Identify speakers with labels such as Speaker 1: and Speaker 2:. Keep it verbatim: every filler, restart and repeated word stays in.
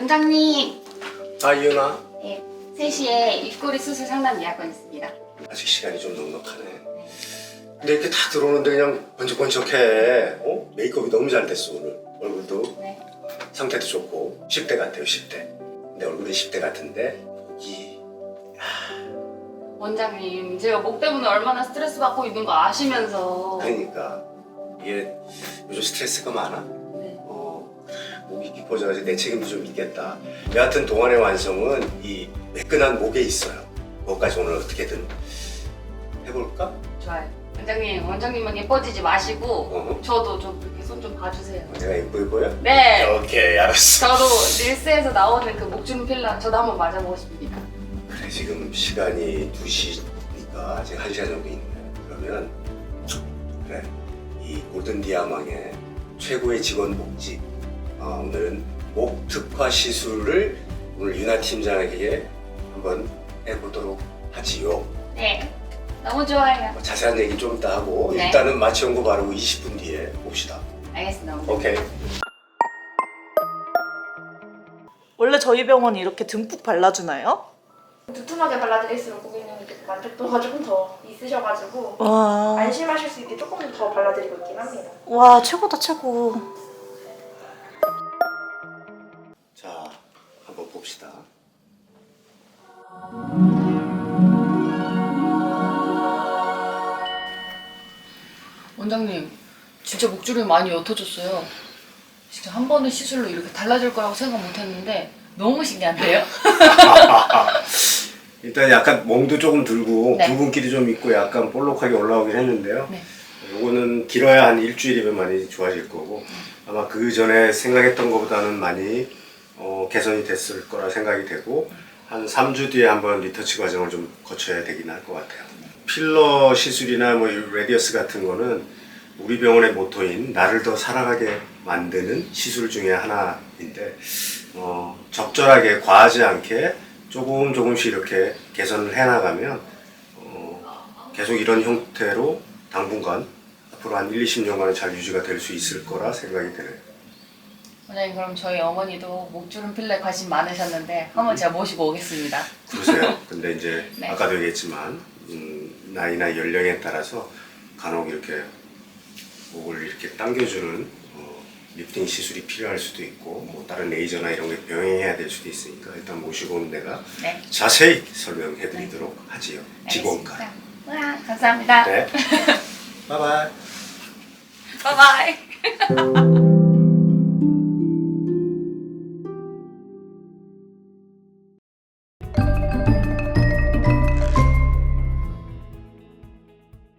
Speaker 1: 원장님.
Speaker 2: 아, 이은아.
Speaker 1: 네, 세 시에 입꼬리 수술 상담 예약권 있습니다.
Speaker 2: 아직 시간이 좀 넉넉하네. 근데 이렇게 다 들어오는데 그냥 번쩍번쩍해. 어? 메이크업이 너무 잘 됐어, 오늘. 얼굴도.
Speaker 1: 네.
Speaker 2: 상태도 좋고. 십 대 같아요, 십 대. 근데 얼굴이 십 대 같은데, 이
Speaker 1: 원장님, 제가 목 때문에 얼마나 스트레스 받고 있는 거 아시면서.
Speaker 2: 그러니까. 이게 요즘 스트레스가 많아.
Speaker 1: 네.
Speaker 2: 어, 목이 깊어져가지고 내 책임도 좀 있겠다. 여하튼 동안의 완성은 이 매끈한 목에 있어요. 그것까지 오늘 어떻게든 해볼까?
Speaker 1: 좋아요. 원장님, 원장님만 예뻐지지 마시고
Speaker 2: 어?
Speaker 1: 저도 좀 이렇게 손 좀 봐주세요.
Speaker 2: 내가 예쁘게 보여?
Speaker 1: 네.
Speaker 2: 오케이, 알았어.
Speaker 1: 저도 릴스에서 나오는 그 목주름 필러 저도 한번 맞아보고 싶습니다.
Speaker 2: 그래, 지금 시간이 두 시니까 아직 한 시간 정도 있네. 그러면 그래, 이 골든 디아망의 최고의 직원 복지, 어, 오늘은 목 특화 시술을 오늘 윤아 팀장에게 한번 해보도록 하지요.
Speaker 1: 네. 너무 좋아요.
Speaker 2: 뭐 자세한 얘기 좀 이따 하고
Speaker 1: 네.
Speaker 2: 일단은 마취 연고 바르고 이십 분 뒤에 봅시다.
Speaker 1: 알겠습니다. 원장님.
Speaker 2: 오케이.
Speaker 3: 원래 저희 병원이 이렇게 듬뿍 발라주나요?
Speaker 4: 두툼하게 발라드릴수록 고객님께 만족도가 조금 더 있으셔가지고
Speaker 3: 와,
Speaker 4: 안심하실 수 있게 조금 더 발라드리고 있긴 합니다.
Speaker 3: 와 최고다 최고.
Speaker 2: 자, 한번 봅시다.
Speaker 1: 원장님, 진짜 목주름이 많이 옅어졌어요. 진짜 한 번의 시술로 이렇게 달라질 거라고 생각 못 했는데 너무 신기한데요?
Speaker 2: 일단 약간 멍도 조금 들고
Speaker 1: 네.
Speaker 2: 붉은기도 좀 있고 약간 볼록하게 올라오긴 했는데요.
Speaker 1: 네.
Speaker 2: 요거는 길어야 한 일주일이면 많이 좋아질 거고 아마 그 전에 생각했던 것보다는 많이 어, 개선이 됐을 거라 생각이 되고 한 삼 주 뒤에 한번 리터치 과정을 좀 거쳐야 되긴 할 것 같아요. 필러 시술이나 뭐 이 레디어스 같은 거는 우리 병원의 모토인 나를 더 사랑하게 만드는 시술 중에 하나인데 어, 적절하게 과하지 않게 조금 조금씩 이렇게 개선을 해나가면 어, 계속 이런 형태로 당분간 앞으로 한 일, 이십 년간은 잘 유지가 될 수 있을 거라 생각이 드네요.
Speaker 1: 원장님, 그럼 저희 어머니도 목주름 필러에 관심 많으셨는데 한번 제가 모시고 오겠습니다.
Speaker 2: 그러세요. 근데 이제
Speaker 1: 네.
Speaker 2: 아까도 얘기했지만 음, 나이나 연령에 따라서 간혹 이렇게 목을 이렇게 당겨주는 어, 리프팅 시술이 필요할 수도 있고 뭐 다른 레이저나 이런 게 병행해야 될 수도 있으니까 일단 모시고 온 내가
Speaker 1: 네.
Speaker 2: 자세히 설명해 드리도록 하지요. 직원과.
Speaker 1: 알겠습니다. 와, 감사합니다.
Speaker 2: 네. 바이바이.
Speaker 1: 바이바이.